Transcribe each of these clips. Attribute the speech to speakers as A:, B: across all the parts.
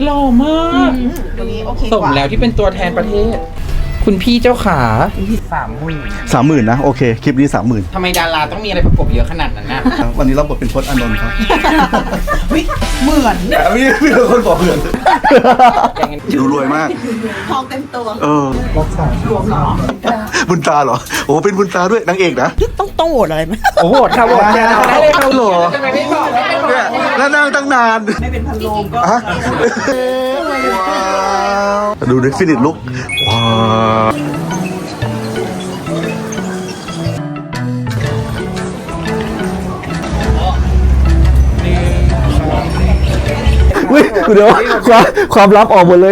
A: หล่อมาก
B: ตัวนี้โอเค
A: สมแล้วที่เป็นตัวแทนประเทศ คุณพี่เจ้าขา30,000
C: นะโอเคคลิปนี้30,000
A: ทำไมดาราต้องมีอะไรประกบเยอะขนาดนั้นน่ะ
C: วันนี้เราบทเป็นพจน์อานนท์ครับ
B: เหมือน
C: มีคนบอกเหมือนดูรวยมาก
B: ทองเต็มตัว
C: รักษารวมเหรอบุญตาเหรอโอ้เป็นบุญตาด้วยนางเอกนะ
B: ต้องโหวตอะไรไหม
A: โอ้โหค่ะโหวตแทนเราได้เลยค่ะ
C: หรอ
A: ทำไมไม่บอก
C: เนี่ยแล้วนั่งตั้งนาน
B: ไม่เป็นพันโลงก็
C: ฮะว้าวดูดิฟินิชลุกว้าวเดี๋ยวความลับออกหมดเลย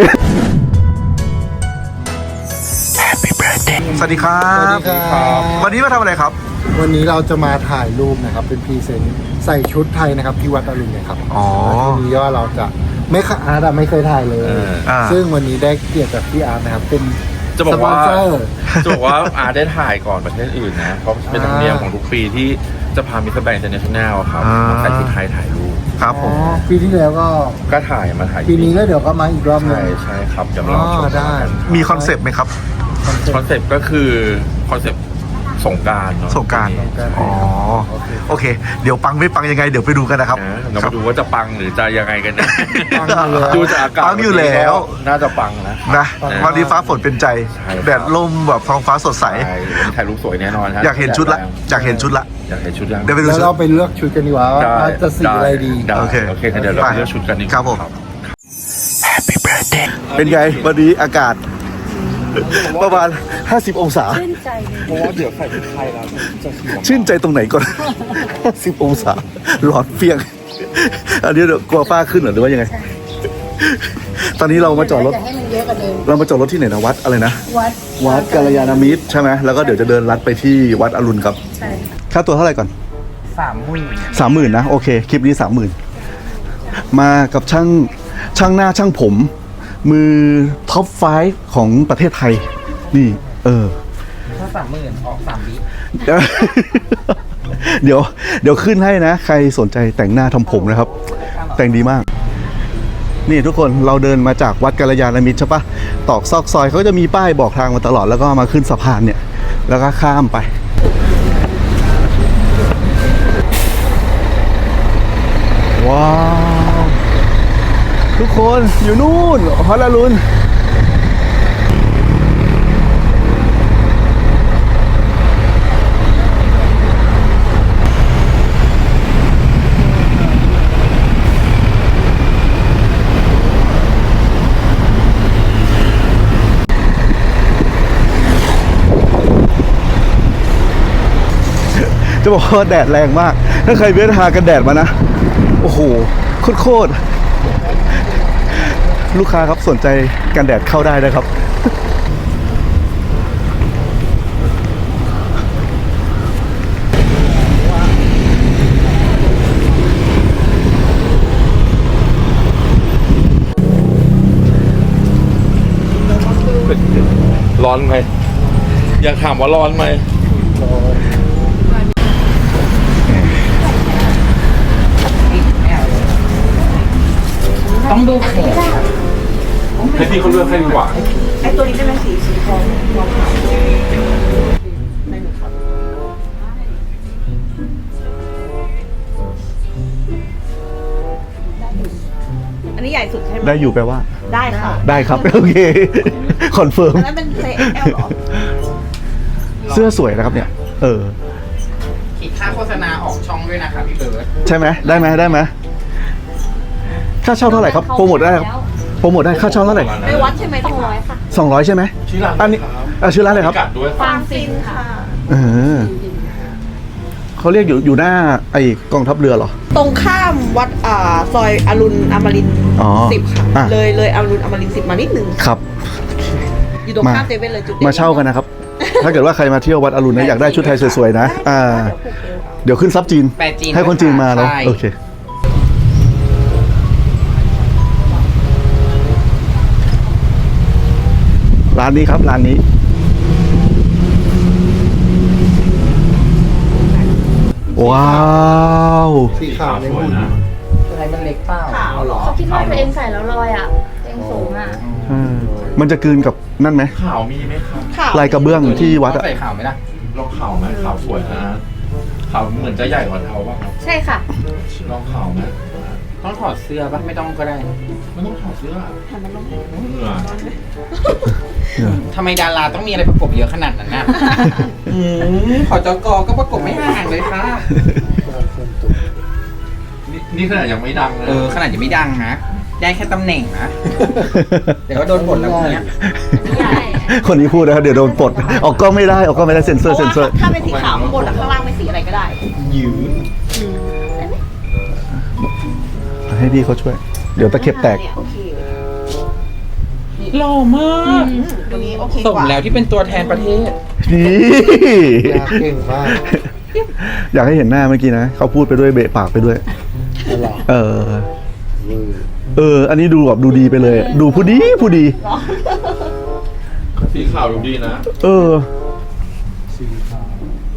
C: สวัสดีครับ
D: สวัสดีครับ
C: วันนี้มาทำอะไรครับ
D: วันนี้เราจะมาถ่ายรูปนะครับเป็นพรีเซนต์ใส่ชุดไทยนะครับที่วัดอรุณนะครับ
C: อ๋อ
D: ทีนี้ว่าเราจะไม่ค่ะอาร์ตอะไม่เคยถ่ายเลย ซึ่งวันนี้ได้เกียรติจากพี่อาร์ตนะครับเป็น
E: จะบอกว่า
D: สปอนเซอร์
E: อาได้ถ่ายก่อนประเทศอื่นนะ เพราะเป็นธรรมเนียมของทุกปีที่จะพามิสเตอร์แบงค์อินเตอร์เนชั่นแนลครับมาใส่ชุดไทยถ่ายรูป
C: ครับผม
D: ปีที่แล้วก็
E: ก็ถ่ายมาถ่าย
D: ปีนี้ก็เดี๋ยวก็มาอีกรอบหนึง
E: ใช่ครับเดี๋ยวเราชม
D: ได้
C: มีคอนเซปต์ไหมครับ
E: คอนเซปต์ก็คือคอนเซปต์สงกรานต์เนาะ
C: สงกรานต์ อ๋อ โอเค เดี๋ยวปังไม่ปังยังไง เดี๋ยวไปดูกันนะครับ
E: เรามาดูว่าจะปังหรือจะยังไงกันนะ
D: ปังอยู่แล้ว
E: ดูจากอากาศ
C: ปังอยู่แล้ว
E: น่าจะปังนะ
C: นะวันนี้ฟ้าฝนเป็นใจ
E: ใช่ครับ
C: แดดลมแบบท้องฟ้าสดใส
E: ใช่วันนี้ถ่ายรูปสวยแน่นอนครับ
C: อยากเห็นชุดละ อยากเห็นชุดละ
E: อยากเห็นชุดยัง
C: เดี๋ยวไปดู
D: แล้ว
C: ชุด
D: เราไปเลือกชุดกันดีกว่าว่าจะสีอะไรดี
E: ได้
C: โอเค
E: โอเคเดี๋ยวเราไปเลือกชุดกันดีกว่า
C: ครับผม เป็นไง วันนี้อากาศ ประมาณ 50 องศา
E: เพราะว่าเดี๋ยวใส่ชุดไทยแล้วจะสวย
C: ชื่นใจตรงไหนก่อน 50 องศาร้อนเปียก อันนี้เดี๋ยวกลัวฝ้าขึ้นเหรอหรือว่ายังไง ตอนนี้เรามาจอดรถ เรามาจอดรถที่ไหนนะวัดอะไรนะ วัดกัลยาณมิตรใช่ไหมแล้วก็เดี๋ยวจะเดินลัดไปที่วัดอรุณครับ ใช่ ค่าตัวเท่าไหร่ก่อน 30,000นะโอเคคลิปนี้30,000มากับช่างหน้าช่างผม มือท็อป5ของประเทศไทย นี่
A: ถ้า30,000ออก3 วิ
C: เดี๋ยวขึ้นให้นะ ใครสนใจแต่งหน้าทำผมนะครับ แต่งดีมาก นี่ทุกคนเราเดินมาจากวัดกัลยาณมิตรใช่ปะตอกซอกซอยเขาจะมีป้ายบอกทางมาตลอดแล้วก็มาขึ้นสะพานเนี่ย แล้วก็ข้ามไป ว้าว ทุกคนอยู่นู่นฮอลลารุนจะบอกว่าแดดแรงมาก ถ้าใครเว้นหากันแดดมานะ โอ้โห โคตรลูกค้าครับสนใจกันแดดเข้าได้นะครับ
E: ร้อนไหมอยากถามว่าร้อนไหม
A: ต้องดูแขน
E: ให้พี่เขาเลือกให้ดีกว่า
B: ไอตัวนี้ได้ไหมสีทองอันนี้ใหญ่สุดใช่ไหม
C: ได้อยู่แปลว่า
B: ได้ค่ะ
C: ได้ครับ โอเค คอนเฟิร์ม
B: อันนั้นเป็นเซแอลหรอ
C: เสื้อสวยนะครับเนี่ย
A: ขีดค่าโฆษณาออกช่องด้วยนะคะพี่เบิร์ด
C: ใช่ไหมได้ไหมค่าเช่าเท่าไหร่ครับโปรโมทได้ครับโปรโมทได้ค่าเช่าเท่าไหร่
B: ไปวัดใช่ไหม200ค่ะ
C: 200ใช่ไหม
E: ชื่อร้าน
C: อันนี้ชื่อร้านอะไรครับ
E: กัดด้วย
B: ฟางฟินค่ะ
C: เขาเรียกอยู่หน้าไอ้กองทัพเรือเหรอ
B: ตรงข้ามวัดซอยอรุณอมรินทร์
C: อ๋อ
B: 10 ค่ะ
C: อ่ะ
B: เลยอรุณอมรินทร์10 มานิดนึง
C: ครับ
B: อยู่ตรงข้ามเซเว่นเลยจุดด่น
C: มาเช่ากันนะครับ ถ้าเกิดว่าใครมาเที่ยววัดอรุณนะอยากได้ชุดไทยสวยๆนะเดี๋ยวขึ้นซับจีน
A: แปลจีน
C: ให้คนจีนมาเนาะ
A: ใช่
C: โอเค ร้านนี้ครับร้านนี้ ว้าว
D: สีขาวในหุ่น
A: อะไรมันเล็กเปล่า
B: ขาวเหรอ
F: เขากินถ้าตัวเองใส่แล้วลอยอ่ะตัวเองสูงอ่ะ
C: มันจะกลืนกับนั่นไหม
E: ข่าวมีไหมครับ
B: ข่าว
C: ลายกระเบื้องที่วัดอะ
A: ใส่ข่าวไหมล่ะ
E: ลองข่าวไหมข่าวสวยนะข่าวเหมือนจะใหญ่กว่าเท้าป่ะครับ
F: ใช่ค่ะ
E: ลองข่าวไหม
A: ต้องถอดเสื้อปะไม่ต้องก็ได้
E: ไม่ต้องถอดเสื้อเหงื่อ
A: ทำไมดาราต้องมีอะไรประกบเยอะขนาดนั้นน่ะ ขอจกก็ประกบไม่ห่างเลยค่ะ
E: นี่ขนาดยังไม่ดังนะ
A: ขนาดยังไม่ดังนะ ได้แค่ตำแหน่งนะ เดี๋ยวก็โดนบทแล้วพวกเนี้ย
C: คนนี้พูดนะครับเดี๋ยวโดนปลดออกกล้องไม่ได้ออกกล้องไม่ได้เซ็นเซอร์
B: ถ้าเป็นสีขาวข้างบนข้างล่างเป็นสีอะไรก็ได้
C: ให้พี่เขาช่วย เดี๋ยวตะเข็บแตก
B: เนี่ยโอเค
A: หล่อมาก
B: ตรงนี้โอเค
A: ส
B: ก
A: ม
B: ว่า
A: แล้วที่เป็นตัวแทนประเทศ
C: นี่
D: ยากเก่งมาก
C: อยากให้เห็นหน้าเมื่อกี้นะเขาพูดไปด้วยเบะปากไปด้วย
D: หรอ
C: อันนี้ดูแบบดูดีไปเลย ดูผู้ดี
E: สีขาวดูดีนะ
D: สีขาว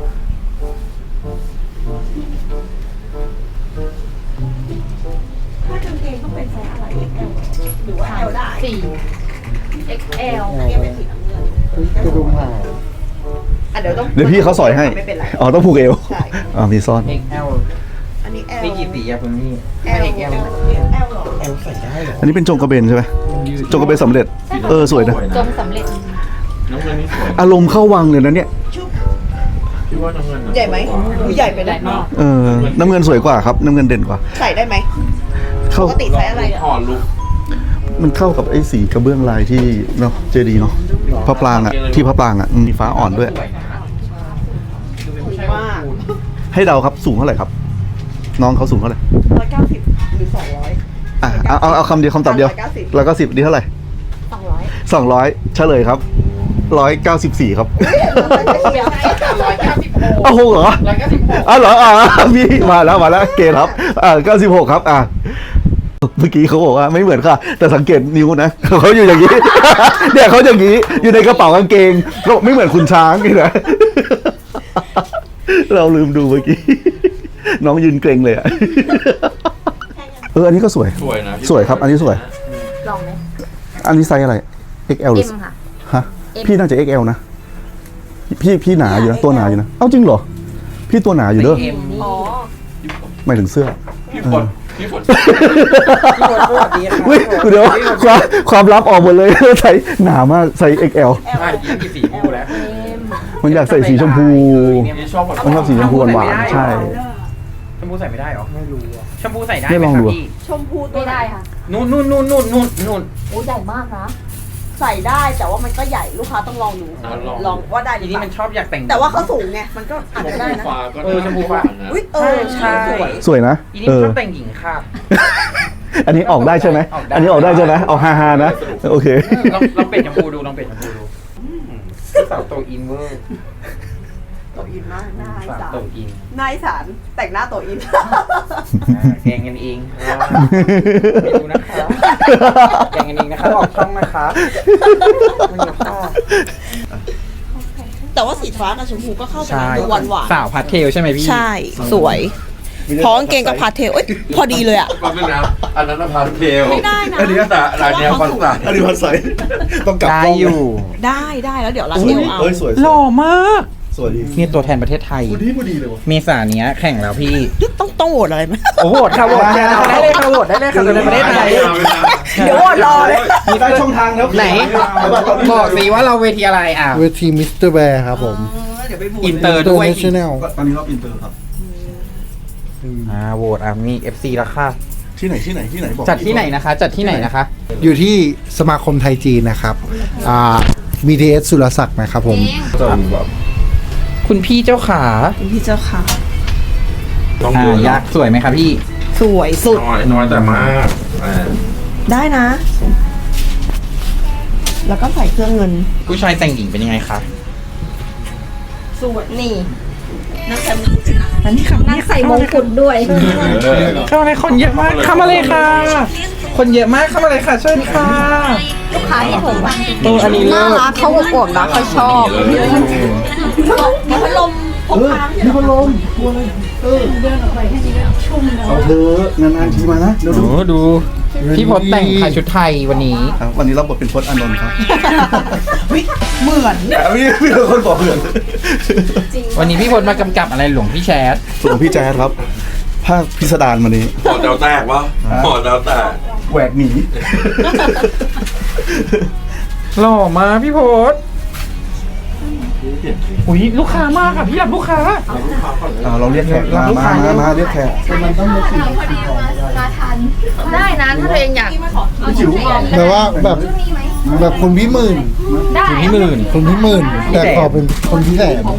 B: ถ้ากางเกงต้องเป็นไซส์อะไร XL หรือว่า L ได้
F: 4 XL
B: อันนี้เป็นสีน้ำเงิน
D: กระดุมหาง
B: อ่ะเดี๋ยวต้อง
C: เดี๋ยวพี่เขาสอยให้
B: ไม่เป็นไร
C: อ๋อต้องผูกเอว
B: ใช่
C: มีซ่อน
A: XL
B: อันนี้ L
A: นี่กี่สีอะคุณพี่
B: L
A: XL
B: L หรอ
A: L ใส่ได้เหรอ
C: อันนี้เป็นจงกระเบนใช่ไหมจงกระเบนสำเร็จ สวยนะ
F: จงสำเร็จ
E: น้ำเงินนี่สวย
C: อารมณ์เข้าวังเลยนะเนี่ย
E: คิดว่าน้ำเงินน่ะ
B: ใหญ่ไหมใหญ่ไปไหม
C: น้ำเงินสวยกว่าครับ น้ำเงินเด่นกว่า
B: ใส่ได้ไหม
C: เข้า
B: ปกติไซส์อะไร
E: ถอดลุก
C: มันเข้ากับไอ้สีกระเบื้องลายที่เนาะเจดีย์เนาะพระปรางอะที่พระปรางอะมีฟ้าอ่อนด้วย
A: สวยนะ
B: มาก
C: ให้เดาครับสูงเท่าไหร่ครับ น้องเขาสูงเท่าไหร่
B: 190หรือ200
C: อ่ะเอาคำเดียวคำตอบเดียว
B: 190
C: แล้วก็10ดีเท่าไหร่
F: 200
C: 200เฉลยครับ194ครับ
A: 196
C: อ้าวโหเหรอ
A: 196
C: อ้าวเหรอพี่มาแล้วเกณฑ์ครับ96ครับเมื่อกี้เขาบอกว่าไม่เหมือนค่ะ แต่สังเกตนิ้วนะเขาอยู่อย่างนี้ เนี่ยเขาอย่างนี้อยู่ในกระเป๋ากางเกงเขาบอกไม่เหมือนคุณช้างนี่นะ เราลืมดูเมื่อกี้ น้องยืนเกรงเลยอ่ะ อันนี้ก็สวย
E: สวยนะ
C: สวยครับ อันนี้สวย
F: ลองไหม
C: อันนี้ไซส์อะไร XL หรือ
F: M ค่ะ
C: ฮะพี่น่าจะ XL นะพี่หนาอยู่นะตัวหนาอยู่นะเอ้าจริงเหรอพี่ตัวหนาอยู่เด้อ
A: เอ็ม
B: อ๋อ
C: หมายถึงเสื้อ
E: พี่ฝน
A: พี่ฝนสวัสดีนะ
C: อุ้ยเดี๋ยวความลับออกหมดเลย ใส่หนามากใส่ XL
A: อ่ะกี่สีพูแล้ว
C: มันอยากใส่สีชมพู
E: นี่ชอบแบบ
C: มันชอบสีชมพูหวานๆใช่
A: ชมพูใส่ไม่ได้หรอ ไม่รู้ชมพูใส่ได้
C: ไม่ลองดู
A: ไหมครับพี่
B: ชมพูตัว
F: ไม่ได้ค่ะ
A: นู่น
F: โอ้ใหญ่มากนะ
B: ใส่ได้แต่ว่ามันก็ใหญ่ลูกค้าต้องลองดูลองว่าได้หรื
A: ที
B: อ
A: นี้
B: เป
A: มัน
B: ล่า
A: ชอบอยากแต่ง
B: แต่ว่าเขาสูงไงมันก็อาจจะได้นะ
E: ฟ้าก็
A: ชมพูฟ้า
B: อุ้ย
A: ใช่
B: สวย
C: สวยนะ
A: ทีนี้
C: เอ
A: มัน
C: อ
A: ชอบแต่งหญิงค่ะ
C: อันนี้ออกได้ใช่ไหม
A: ออกได้
C: อันนี้ออกได้ใช่ไหมเอาฮาๆนะโอเค
A: ลองเปลี่ยนชมพูดูสาวโตอินเวอร์
B: โตอินมากนาย
A: สาว
B: สา
A: โต
B: ร
A: อิน
B: นายสารแต่งหน้าโตอิน
A: แกงกันเองไม่ดูนะคะแกงกันเองนะคะออกช่องนะคะไม่นะคะ
B: แต่ว่าสีฟ้ากับชมพูก็เข้ากันนะดูหวานหวาน
A: สาวพาสเทลใช่ไหมพี่
B: ใช่สวยเพราะกางเกงกับพาสเทลเอ้ยพอดีเลยอ่ะ
E: ก็เป็นนะอันนั้นน่ะพาสเทล
B: ไม่ได้นะ
E: อันนี้แต่ร้านเนี้ยพาสต้า
C: อันนี้พันใสต้องกลับ
A: ได้
C: กล้อง
A: อยู่
B: ได้แล้วเดี๋ยวรันเอวเอา
C: เอ้ยสวย
A: หล่อมาก
C: สวยดี
A: นี่ตัวแทนประเทศไทย
C: พอดีเลยวะ
A: เมษาเนี้ยแข่งแล้วพี่
B: ต้องโหวตอะไรไหม
A: โอ้โหค่ะโหวตได้เลยค่ะโหวตได้เลยค่ะตัวแทนประเทศไทย
B: เดี๋ยวโหวตรอเลย
C: มีได้ช่องทางแล้ว
A: ไหนบอกสิว่าเราเวทีอะไรอ่ะ
D: เวทีมิสเตอร์แบร์ครับผม
B: เดี๋ยวไปโหวต
A: อินเตอร์ด้วย
D: International
C: ตอนนี้รอบอินเตอร์ครับ
A: โหวตมี FC แล้วค่ะ
C: ที่ไหนบอก
A: จัดที่ไหนนะคะ จัดที่ไหนนะคะ
D: อยู่ที่สมาคมไทยจีนนะครับBTS สุรศักดิ์นะครับผม
E: จะมีแบบ
A: คุณพี่เจ้าขา
B: พี่เจ้าค่ะ
E: ต้องดู
A: ยักษ์สวยไหมครับพี่
B: สวยสุด
E: น้อยแต่มากอ่า
B: ได้นะ แล้วก็ใส่เครื่องเงิน
A: ผู้ชายแต่งหญิงเป็นยังไงคะ
B: สวยนี่นักแสดง
F: นั่งใส่มงกุฎด้วย
A: เข้ามาเลยคนเยอะมากเข้ามาเลยค่ะ คนเยอะมากเข้ามาเลยค่ะเชิญค่ะ
F: ลูกค้าที่ผมว่า
A: ตัวอันนี้เลิ
B: น่า
A: ศ
B: รักเขาอวบนะเขาชอบมีพัดลมพกพา
C: มีพัดลมเอาเธอนานๆทีมานะเดี๋ยว
A: โอ้
C: ดู
A: ดูพี่พศแต่งค่ะชุดไทยวันนี้
C: ครับวันนี้เราบทเป็นพจน์อานนท์ครับ
B: เหมือน
C: มีคนบอกเหมือน
A: วันนี้พี่พศมากำกับอะไรหลวงพี่แชท
C: ส่วนพี่แจ๊ดครับ ภาคพิสดารวันนี้
E: หอดาวแตกวะหอดาวแตก
C: แหวกหนี
A: หล่อมาพี่พศอุ้ยลูกค้ามากค่ะพี่รับลูกค้า
C: เราเรียกแขกมาเรียกแขก
B: ได้นะถ้าตัวเองอยาก
D: แต่ว่าแบบคนพี่หมื่น
B: ได้
A: พี่หมื่น
D: คนพี่หมื่นแต่ขอเป็นคนพี่แสน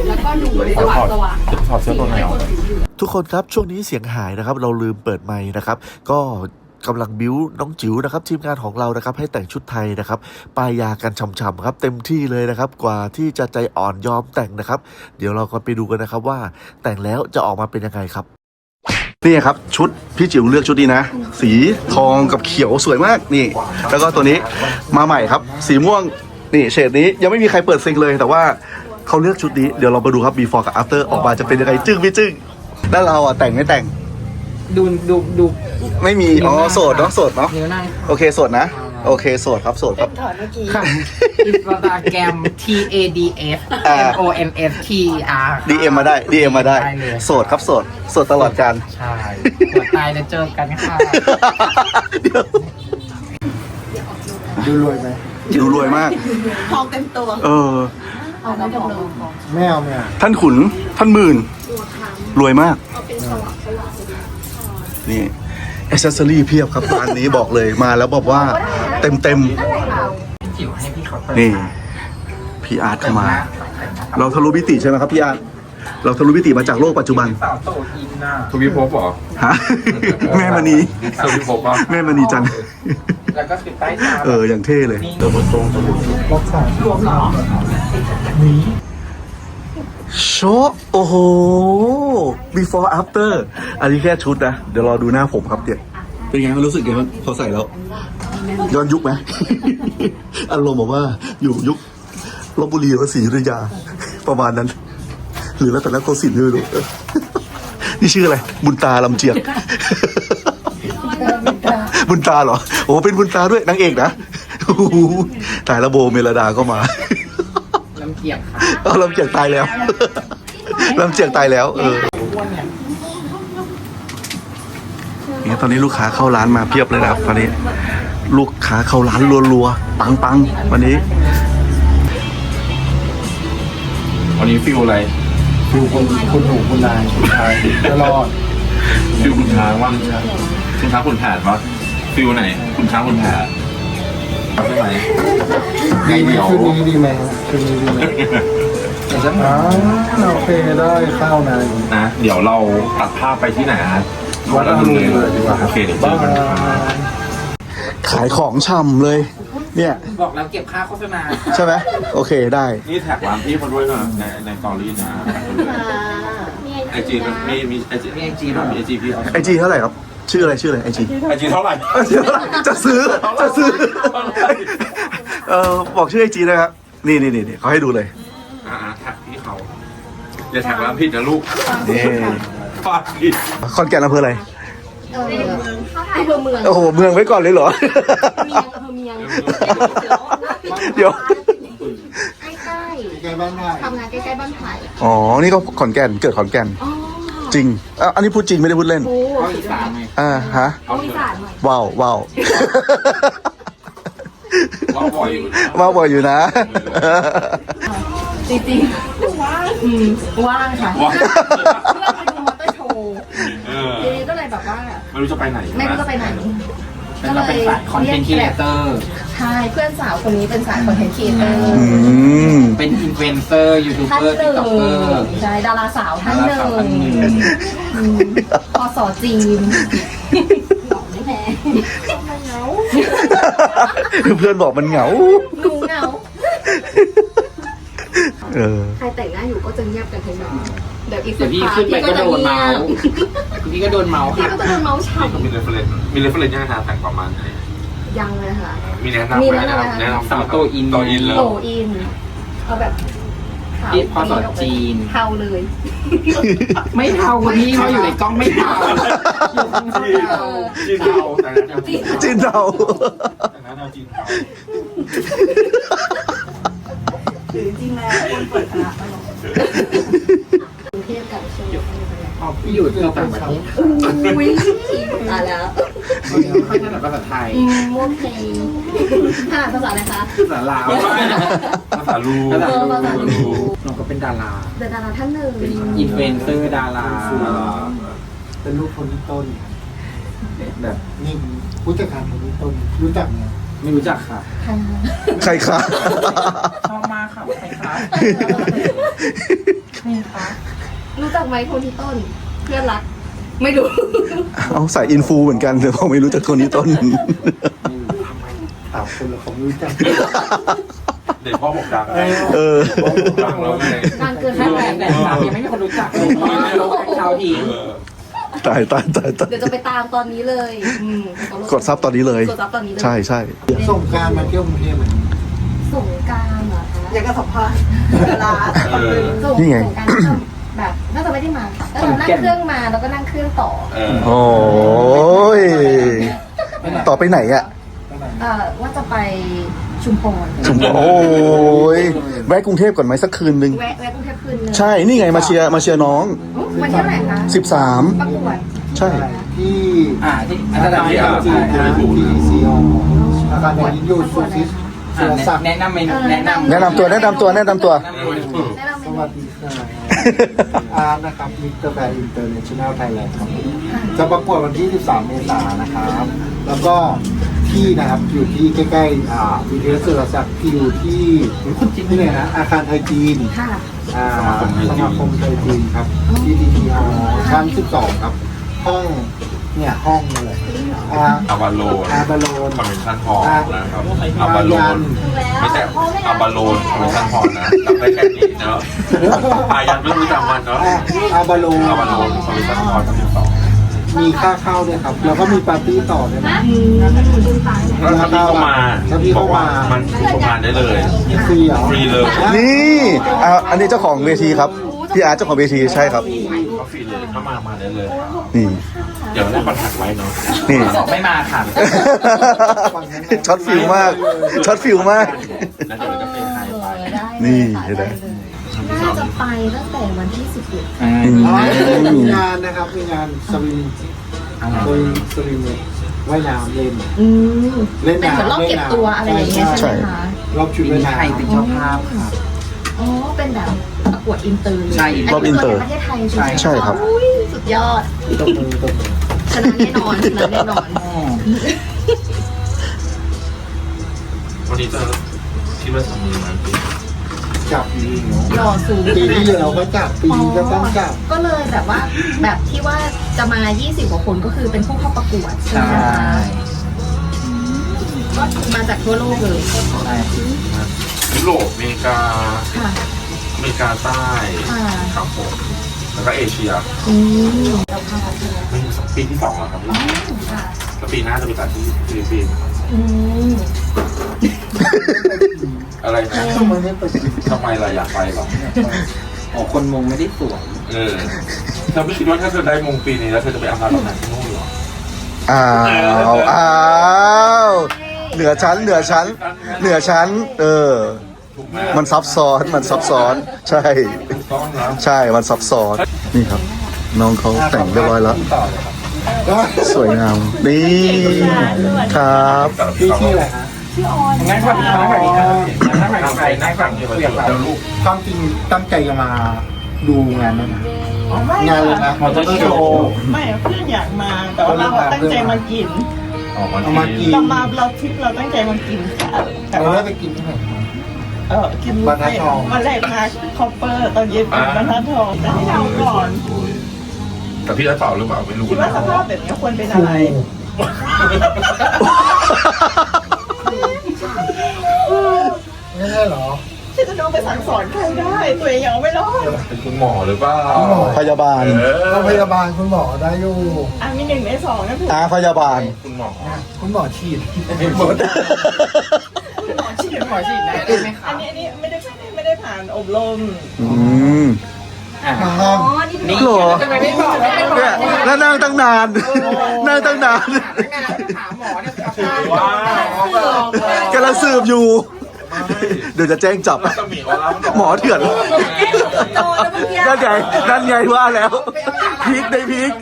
E: ถอดเสื้อตัวไหนออก
C: ทุกคนครับช่วงนี้เสียงหายนะครับ เราลืมเปิดไมค์นะครับ ก็กำลังบิ้วน้องจิ๋วนะครับทีมงานของเรานะครับให้แต่งชุดไทยนะครับป้ายยากันช่ำๆครับเต็มที่เลยนะครับกว่าที่จะใจอ่อนยอมแต่งนะครับ เดี๋ยวเราก็ไปดูกันนะครับว่าแต่งแล้วจะออกมาเป็นยังไงครับนี่ครับชุดพี่จิ๋วเลือกชุดนี้นะ สีทองกับเขียวสวยมากนี่ แล้วก็ตัวนี้มาใหม่ครับ สีม่วงนี่เฉดนี้ยังไม่มีใครเปิดซิงเลยแต่ว่าเขาเลือกชุดนี้เดี๋ยวเรามาดูครับ before กับ after ออกมาจะเป็นยังไงจึ้งไม่จึ้งแล้วเราแต่งไม่แต่ง
A: ดู
C: ไม่มีอ๋อโสดเนาะโสดเนาะ
A: นิ้วนั่ง
C: โอเคโสดนะโอเคโสดครับโสดครับ
A: ค่ะอินสตาแกรม TADF MONSTR
C: DM มาได้ DM มาได้
A: เลย
C: โสดครับโสดโสดตลอดการ
A: ใช่หัวตายแล้วเจอกันค่ะ
C: เดี๋ยว
D: ดูรวยไหม
C: ดูรวยมาก
B: ทองเต็มตัว
C: เออ
D: ไม่เอา
C: ท่านขุนท่านหมื่นรวยมากนี่แอคเซสซอรี่เพียบครับร้านนี้บอกเลยมาแล้วบอกว่าเต็ม
A: จิ๋วให้พี่เขาเปิด
C: นี่พี่อาร์ตเข้ามา เราทะลุมิติใช่ไหมครับพี่อาร์ตเราทะลุมิติมาจากโลกปัจจุบัน
A: สาวโตอินน่ะ
E: ทวีภพเหรอ
C: ฮะ แม่มณี
E: ทวีภพป่ะ
C: แม่มณีจัง
A: แล้วก็คือใต้ตา
C: อย่างเท่เลย
D: ล็อกสาม
A: รวมเหรอ
C: โชว์โอ้โห before after อันนี้แค่ชุดนะ เดี๋ยวรอดูหน้าผมครับเดี๋ยวเป็นไงมันรู้สึกไงมันพอใส่แล้ว ย้อนยุคไหม อารมณ์บอกว่าอยู่ยุคลพบุรีหรือศรีอยุธยา ประมาณนั้น หรือแล้วแต่ละโกสินทร์ไม่รู้ นี่ชื่ออะไร บุญตาลำเจียก บุญตาเหรอ โอ้เป็นบุญตาด้วยนางเอกนะ โอ้โหตายแล้วโบเมลดาก็มา
A: ลำเกียบค่ะ
C: เอาลำเจียกตายแล้ว ลำเจียกตายแล้ว เนี่ยตอนนี้ลูกค้าเข้าร้านมาเพียบเลยนะครับตอนนี้ ลูกค้าเข้าร้านรัวๆปังๆวันนี้
E: วันนี้ฟิลอะไร
D: ดูคนหูคนนายคนไทยตลอด
E: ฟิลคุณช้างว่างคุณช้างคุณแผนวะฟิลไหนคุณช้างคุณแผนใช่ไหม
D: ดีไหมคืนนี้ดีไหมคืนนี้ดีไหมโอเคได้ข้าวนาย
E: นะ เดี๋ยวเราตัดภาพไปที่ไหนฮะวัดอรุณเลยดีกว่าโอเคเดี๋ยวเจอกัน
C: ขายของช่ำเลย เนี่ย
A: บอกแล้วเก็บค่าโฆษณา
C: ใช่ไหมโอเคได้
E: นี่แท็กร้านพี่เขาด้วยนะในตอรี่นะไอจีมีไอจี
A: มี IG เหรอ
E: มีไอจีพี่
C: ไอจีเท่าไหร่ครับ ชื่ออะไรไอจี
E: ไอจีเท่าไหร่
C: จะซื้อบอกชื่อไอจีนะครับนี่เขาให้ดูเลย
E: แท็กพี่เขาอย่าแท็กร้านผิดนะลูก
C: นี่
E: ฟาดผิด
C: คอนแก่นอำเภออะไร
F: อำเภอเมือง
C: โอ้โหเมืองไว้ก่อนเลยเหรอ
F: อำเภอเมียง
C: เดี๋ยว
F: ใกล้
D: ใกล้บ้านนาย
F: ๆทำงานใกล้ๆบ้านไผ่
C: อ๋อ นี่ก็ขอนแก่น เกิดขอนแก่น
F: อ๋อ
C: จริงอันนี้พูดจริงไม่ได้พูดเล่น
F: โอ้
A: ก็อีสานไง
C: ฮะ
F: เอาอีสานหน่อย
C: ว้าว
E: ว่าบ่อยอยู่
C: ว้าวบ่อยอยู่นะ
F: จริงๆว่างค่ะ
E: ว่า
F: เพื่อนไปดูมอเตอร์โชว์ ทีนี้ก็เลยแบบว่า
E: ไม่รู้จะไปไหน
F: ไม่รู้จะไปไหน
A: เป็นเราเป็นสายคอนเทนต์ครีเอเตอร์
F: ใช่เพื่อนสาวคนนี้เป็นสายคอนเทนต์ครีเอเตอร์
C: อืม
A: เป็นอินฟลูเอนเซอร์ยูทูบ
F: ท่าน
A: เบอร์
F: ห
A: ติ๊ก
F: นึ่
A: ต็อกเกอร์
F: งใช่ดาราสาวท่านหนึ่งพศจีนไม่แพ้
C: เพื่อนบอกมันเหงา
F: หนูเหงา
B: ใครแต่งหน้าอยู่ก็จะเงียบกันทั้งนั้น
F: เดี๋ยวอีก
A: เดี๋
F: สั
A: ยว
F: ก
A: พี่
F: พัก
A: ขึ้นไปก็โดนเมาส์
F: พี่
A: พี่ก็โดนเมาส์
F: ก็
A: ค่ะ
F: จะโดนเมาส์ฉ่
E: มีเรฟเฟรนมีเรฟเฟรนยังไงนะแต่งประมาณไหน
F: ำยังเลยค่ะ
E: มีแนะนำไหมแนะนำ
A: สาวโตอิน
E: โตอินเลย
F: โตอินเอาแบบข
B: ขาว
A: ที่พอสอนจีน
B: เทาเลย
A: ไม่เท่าคนนี้เขาอยู่ในกล้องไม่เท่าอยู่ข้างนอกเท่า
E: จีนเทาแต่นั้นจีน
C: จีนเรา
E: แต่นั้นเอาจีนเทา
B: หรือจริงๆแล้วคนเปิดคณะตลอดกรุงเทพกับเชียงใหม่
A: อ๋อพี่อยู่ที่ต่างประเทศ
B: อุ้ยตายแล้ว
A: ไม่ค่อยถนัดภาษาไทย
B: ม่วงเพลงถนัดภาษาอะไรคะ
A: ภาษาลาว
E: ภาษาลู
A: ภาษา
B: ภาษาลู
A: น้องก็เป็นดารา
B: เดาราท่านหนึ่ง
A: เป็นอินฟลูเอนเซอร์ดารา
D: เป็นลูกคนที่ต้น
A: แบบ
D: นี่ผู้จัดการคนที่ต้นรู้จักไหม
A: ไม่รู้จักค่ะ
C: ใครคะ
A: ชอบมากค่ะใครคะใครคะ
B: รู้จักไหมคนที่ต้น เพื่อนรัก ไม่รู้
C: เอาใส่อินฟูเหมือนกันแต่ผมไม่รู้จักคนนี้ต้น
D: ถามคนละเขาไม่รู้จัก
E: เด็กพ่อบอกดัง
C: เออ
E: ดังแล้วไง
B: นานเกิน
A: แค่
B: ไป
A: แต่สามยังไม่มีคนรู้จักเลยเราชาวที
C: ตายตายตายตาย
B: เดี๋ยวจะไปตามตอนนี้เลย
C: กดซับตอนนี้เลย
B: กดซับตอนนี้เลย
C: ใช่ใช่
D: ส่งกรารมาเที่ยวกรุงเทพเหมือนกัน
B: สงกรารเหรอคะ
F: อยากจะสัมภาษณ์เวลา
B: สงกรารแบบน่าจะไม่ได้มาแล้วเรานั่งเครื่องมาแล้วก็นั่งเครื่องต่อ
C: โอ้ยต่อไปไหนอะ
B: ว่าจะไปชุมพร
C: ชุมพรโอ้ยแวะกรุงเทพก่อนไหมสักคืนนึง
B: แวะกรุงเทพคืนนึง
C: ใช่นี่ไงมาเชียร์น้อง
B: วันที่เท่าไหร่คะ
C: 13
B: ประกวด
C: ใช่
D: ที่
A: ที่อาจารย์
D: จีนนะที่ซีออาคารแดนยูซูซิสสุรศักดิ์
A: แนะนำเมนูแนะนำ
C: แนะนำตัว
B: แนะนำ
D: ส
B: เม
D: วั
B: นู
D: สดีค่ะอาร์ตนะครับมิสเตอร์แบร์อินเตอร์เนชั่นแนลไทยแลนด์ครับจะประกวดวันที่ 13 เมษายนนะครับ แล้วก็ที่นะครับอยู่ที่ใกล้ๆวิทยาสุรศักดิ์ที่อยู่ที่ไหนนะอาคารไทยจีน
B: ค่ะ
D: สมาคมไทยจีนครับที่ดีทีฮอชั้น 12 ครับ ห้องเนี่ยห้องเลย
E: อาวาโลน
D: อาบาโลน
E: คอนเวนชั่นฮอลนะครับอาวาโลนไม่ใช่อาวาโลนคอนเวนชั่นฮอลนะจำได้แค่นี้เนาะอายังไม่รู้จำมันเนาะ
D: อาบาโลน
E: อาวาโลนคอนเวนชั่นฮอลชั้น12
D: มีค่าเข้าด้วยครับ แล้วก็มีปาร์ตี้ต่อด้วยนะ
E: แล้วถ้าพี่เข้ามาบอกว่ามันชมงานได้เลย
D: ฟรีเหรอ
E: ฟรีเลย
C: นี่อันนี้เจ้าของเวทีครับพี่อาร์ตเจ้าของเวทีใช่ครับ
E: ก็ฟรีเลยเข้ามาได้เลย
C: นี่
E: เดี๋ยวได้คอนแทคไว้เนาะ
C: นี่
A: บอกไม่มาค่ะ
C: ช็อตฟิลมากช็อตฟิลมาก
E: แล้วเดี๋ยวจะเป็นไฮไฟ
C: นี่เห็นไหม
B: น่าจะไปตั้งแต่วันที่11
D: มีงานนะครับ มีงานสวิมว่ายน้ำเล่น เล่น
B: เป็นเหมือน
D: น้ำ
B: รอบเก็บตัวอะไรอย่างเงี้ยใช่ไหมคะ
D: รอบชุดว่ายน้
A: ใครเป็นเจ้าภาพค่ะ
B: อ๋อเป็นแบบประกวดอินเตอร์เลย
A: ใช่
C: รอบอินเตอร์
B: ประเทศไทยใช่ไหม
C: ใช่ครับ
B: อุ้ยสุดยอด
D: ำตบมือ
B: ชนะแน่นอนชนะแน่นอน
E: วันนี้จะคิดว่าทำมือไหม
D: จับดีเนาะ
B: หล่อสูง
D: ปีที่แล้วก็จับปีนี้ก็ต้องจับ
B: ก็เลยแบบว่าแบบที่ว่าจะมา 20 กว่าคนก็คือเป็นผู้เข้าประกวดใช่ไหมคะก็มาจากทั่วโลกเลย
E: ยุโรปอเมริกา
B: ค่ะ
E: อเมริกาใต้
B: ค่ะ
E: ครับผมแล้วก็เอเชีย
B: เราพาใช่ไหม
E: ปีที่2แล้วครับ
B: ค่ะ
E: แล้วปีหน้าจะไปจัดที่ฟิลิปปินส์
B: อืม
E: อะไรนะ
D: ทำไมไม่ไป
E: ทำไมล่ะอยากไปหรอ
A: อ๋อคนมงไม่ได้สวย
E: เธอไม่คิดว่าถ้าเธอได้มงปีนี้แล้วเธอจะไปอำลาตำแหน่งที่นู่นหรอ
C: อ้าวเหนือชั้น
E: ถูกไหม
C: มันซับซ้อนใช่
E: ถูกต้องนะ
C: ใช่มันซับซ้อนนี่ครับ น้องเขาแต่งเรียบร้อยแล้ว
D: ต่อเลยครับ
C: สวยงามนี่ครับ
D: พี่ชื่ออะไรฮะ
A: นั่งฝั่งนี้นั่งฝั่งนี้นั่งฝั่งใครนั่งฝั่งเพื่อนเรา
D: ความจริงตั้งใจจะมาดูงานนั้นนะงานเลยนะ
A: มอเตอร์โชว์
F: ไม่เพื่อนอยากมา แต่ว่าเราตั้งใจมากิน
E: ออกมา
D: เอามากิน
F: เรามาเราทริปเราตั้งใจมากินค่ะแต่
D: เรา
F: ว่า
D: ได้ไปกินที่ไหนมา
F: กิน
D: บรรทัดทอง
F: วันแรกมาคอปเปอร์ตอนเย็นเป็นบรรทัดทองแต่ที่เราก่อน
E: แต่พี่จะตอบหรือเปล่าไม่รู้
F: คิดว่า
E: นะ
F: สภาพแบบนี้ควรเป็นอะไร
D: ไม่ใช่เหรอ
F: ที่จะดูไปสั่งสอนใครได้ ตัวเองยังไม่รอด
E: เป็นคุณหมอหรือเปล่า
C: พยาบาล
D: โรงพยาบาลคุณหมอได้อยู่
F: มี1 ใน 2นะถูก
C: พยาบาล
E: คุณหมอ
D: คุณหมอฉีด
A: หมอฉีดนะได้ไหมคะ
F: อันนี้ไม่ได้พฐานอบรม
A: อ่ะ
D: มา
B: อ๋อ
A: นี่
B: นี่
C: หรอ
A: ทำไมไม่บอกว่าเป็นหมอ
C: เนี่ยแล้วนั่งตั้งนาน นั่งตั้งนาน
A: ถามหมอเนี่ย
E: ว้าว
C: กำลังสืบอยู่ เดี๋ยวจะแจ้งจับ
E: แล้วก็มีออร่า
C: หมอเถื่อน
B: โดนแล้วเมื่อกี้
C: นั่นไงว่าแล้ว พีคในพีค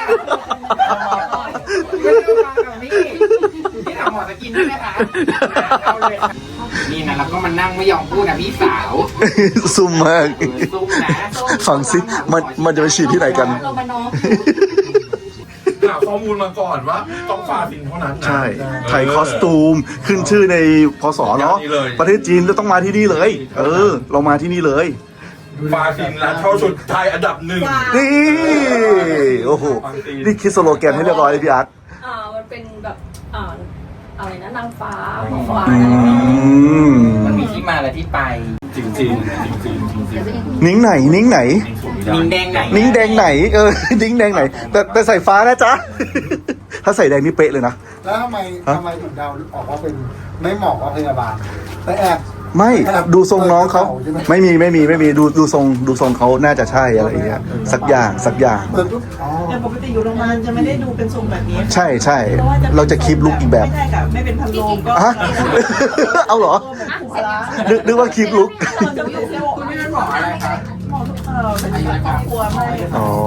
A: พี่ถามหมอจะกินได้ไหมคะเอาเลยนี่นะแล้วก็มันนั่งไม่ยอมพูดนะพี่สาว
C: ซุ่มมาก
A: ซุ่มนะ
C: ฟังซิมันจะไปฉีดที่ไหนกัน
B: เรามาน้อง
E: หาข้อมูลมาก่อนว่าต้องฟาฟินเท่านั้นนะ
C: ใช่ ไทยคอสตูม ขึ้นชื่อในพศเนาะ
E: นี่เลย
C: ประเทศจีนจะต้องมาที่นี่เลย เรามาที่นี่เลย
E: ฟาฟินร้านเช่าชุดไทยอันดับ 1
C: นี่ โอ้โห นี่คิดสโลแกนให้เรียบร้อยเลยพี่อาร์ต
G: มันเป็นแบบอะไรนะนางฟ้าของฟ้า
A: มันมีที่มาและที่ไป
E: จริงจริงจริงจริง
C: นิ้งไหน นิ้งไหน
A: นิ้งแดงไหน
C: นิ้งแดงไหน นิ้งแดงไหน แต่ใส่ฟ้านะจ๊ะ ถ้าใส่แดงนี่เป๊ะเลยนะ
D: แล้วทำไมถึงเดาออกว่าเป็นไม่เหมาะกับพยาบาลแต่แอบ
C: ไม่ดูทรงน้องเขาไม่มีดูทรงเขาน่าจะใช่อะไรอย่างเงี้ยสักอย่าง
D: เปิดปุ๊บอ๋อ
F: แต่ปกติอยู่โรงพยาบาลจะไม่ได้ดูเป็นทรงแบบนี้
C: ใช่เราจะคลิปลุกอีกแบบ
F: ไม่ได้กับไม่เป็นพันโลงก็
C: ฮะ เอาเหรอ
F: ถูกละ
C: นึกว่าคลิปลุก
F: เราจะอยู่ที่คุณไม่ได้หมออะไรคะหมอเป็นครอบครัวไม่
C: อ๋อ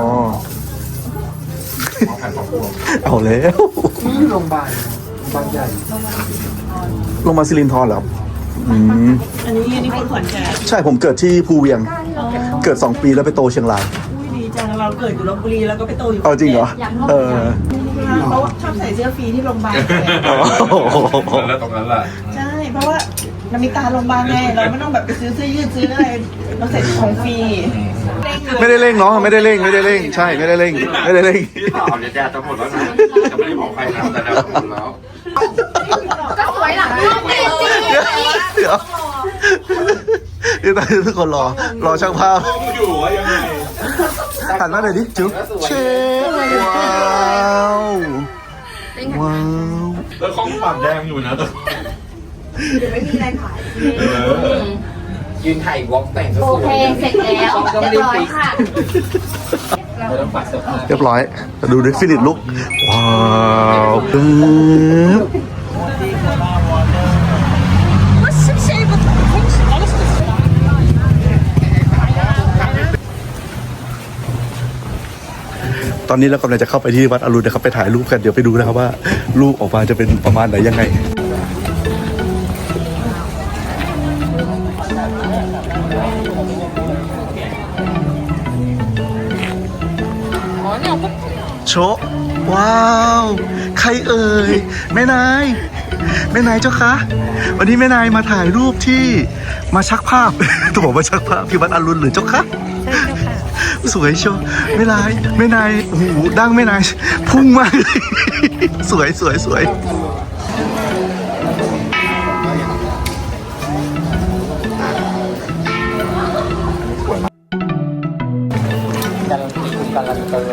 C: เอาแล้ว
D: นี่โรงพยาบาลบางใหญ่
C: ลงมาซิลินทรเหรออืม
F: อันนี้คนขอนแก่น
C: ใช่ผมเกิดที่ภูเวียง เกิด 2 ปีแล้วไปโตเชียงราย
F: อุ้ยดีจังเราเกิดอยู่ลพบุรีแล้วก็ไปโตอยู่
C: เอาจริงเหรอ
F: เขาชอบใส่เสื้อฟรีที่โรงพยาบาล
E: แล้วตรงนั้นแหละ
F: ใช่ เพราะว่าเรามีการโรงพยาบาลไงเราไม่ต้องแบบไปซื้อเสื้อยืดซื้ออะไรเราใส่ของฟรี
C: ไม่ได้เร่งเนาะไม่ได้เร่ง ใช่ไม่ได้เร่ง
E: พี่สาวเนี่ยแดดจะหมดแล้วนะจะไม่ได้บอกใครนะแต่แดดจะหมดแล้ว
B: ก็สวยหลังน้องเมจิ
C: เดี๋ยวตอนนี้ทุกคนรอช่างภาพ
E: อยู่ว่ายังไง
C: หันมาหน่อยดิจุ๊บเชฟว้าวว้าว
E: แล้วข้องปากแดงอยู่นะแต่
B: เดี๋ยวไม่มีอะไรขาย
A: ยืนถ่ายวอล์กแต่ง
B: โอเคเสร็จแล้วเรียบร้อยค่ะ
A: เราต้องปัดเสื้อผ้า
C: เรียบร้อยดูดิฟินิชลุกว้าวปึ๊บตอนนี้เรากำลังจะเข้าไปที่วัดอรุณนะครับไปถ่ายรูปกันเดี๋ยวไปดูนะครับว่ารูปออกมาจะเป็นประมาณไหนยังไงโชะว้าวใครเอ่ยแม่นายเจ้าคะวันนี้แม่นายมาถ่ายรูปที่มาชักภาพ ต้องบอกว่าชักภาพที่วัดอรุณหรือเจ้าคะสวยโชว์แม่นายโอ้โหดั้งแม่นายพุ่งมากเลย สวย
A: การันเตอร์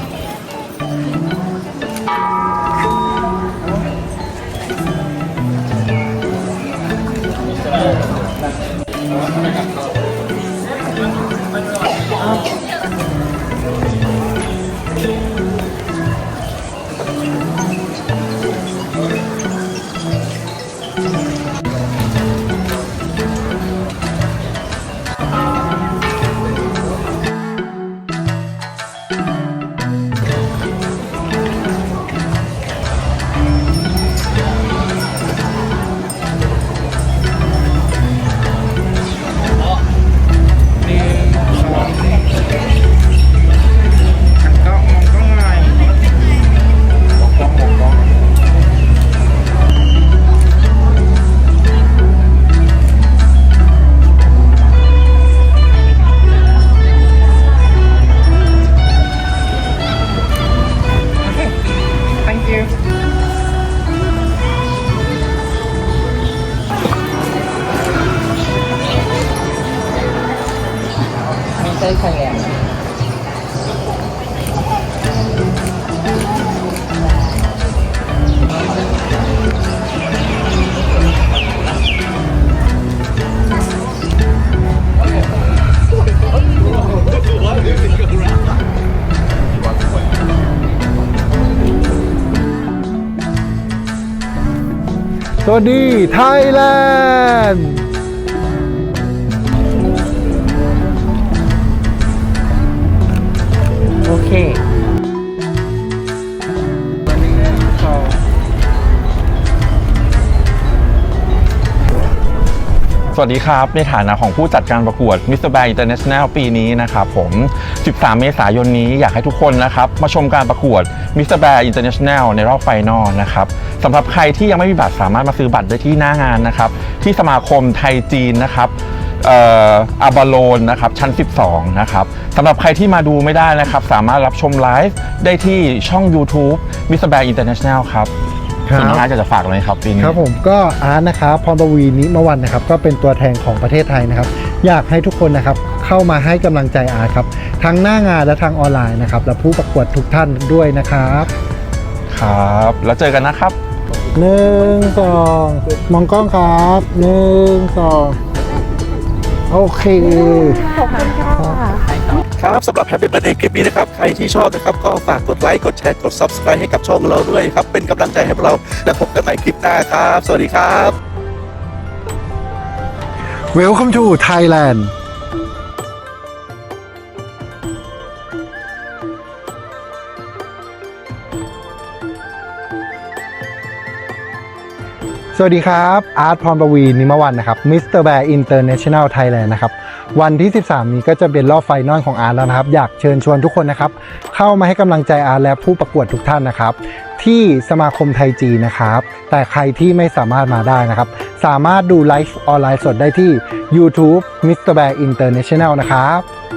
A: ก็มองกล้องหน่อยมองกล้องThank you ไม่ใช่แค่
D: วัสดีไทยแลนด์
A: โอเค
E: สวัสดีครับในฐานะของผู้จัดการประกวด Mr. Bear International ปีนี้นะครับผม 13 เมษายนนี้อยากให้ทุกคนนะครับมาชมการประกวด Mr. Bear International ในรอบไฟนอลนะครับสำหรับใครที่ยังไม่มีบัตรสามารถมาซื้อบัตรได้ที่หน้างานนะครับที่สมาคมไทยจีนนะครับอาบาโลนนะครับชั้น 12 นะครับสำหรับใครที่มาดูไม่ได้นะครับสามารถรับชมไลฟ์ได้ที่ช่อง YouTube Mr. Bear International ครับส่วนน้องอาร์ตอยากจะฝากอะไรครับปีนี้
D: ครับผมก็อาร์ตนะครับพรปวีนิมวันนะครับก็เป็นตัวแทนของประเทศไทยนะครับอยากให้ทุกคนนะครับเข้ามาให้กำลังใจอาร์ตครับทั้งหน้างานและทางออนไลน์นะครับและผู้ประกวดทุกท่านด้วยนะครับ
E: ครับแล้วเจอกันนะครับ
D: 1 2มองกล้องครับ1 2โอเค
C: ครับสำหรับ Happy Birthday คลิปนี้นะครับใครที่ชอบนะครับก็ฝากกดไลค์กดแชร์กด Subscribe ให้กับช่องเราด้วยครับเป็นกำลังใจให้พวกเราและพบกันใหม่คลิปหน้าครับสวัสดีครับ
D: Welcome to Thailandสวัสดีครับอาร์ตพรปวีนิมวันนะครับ Mr. Bear International Thailand นะครับวันที่ 13 นี้ก็จะเป็นรอบไฟนอลของอาร์ตแล้วนะครับอยากเชิญชวนทุกคนนะครับเข้ามาให้กำลังใจอาร์ตและผู้ประกวดทุกท่านนะครับที่สมาคมไทยจีนนะครับแต่ใครที่ไม่สามารถมาได้นะครับสามารถดูไลฟ์ออนไลน์สดได้ที่ YouTube Mr. Bear International นะครับ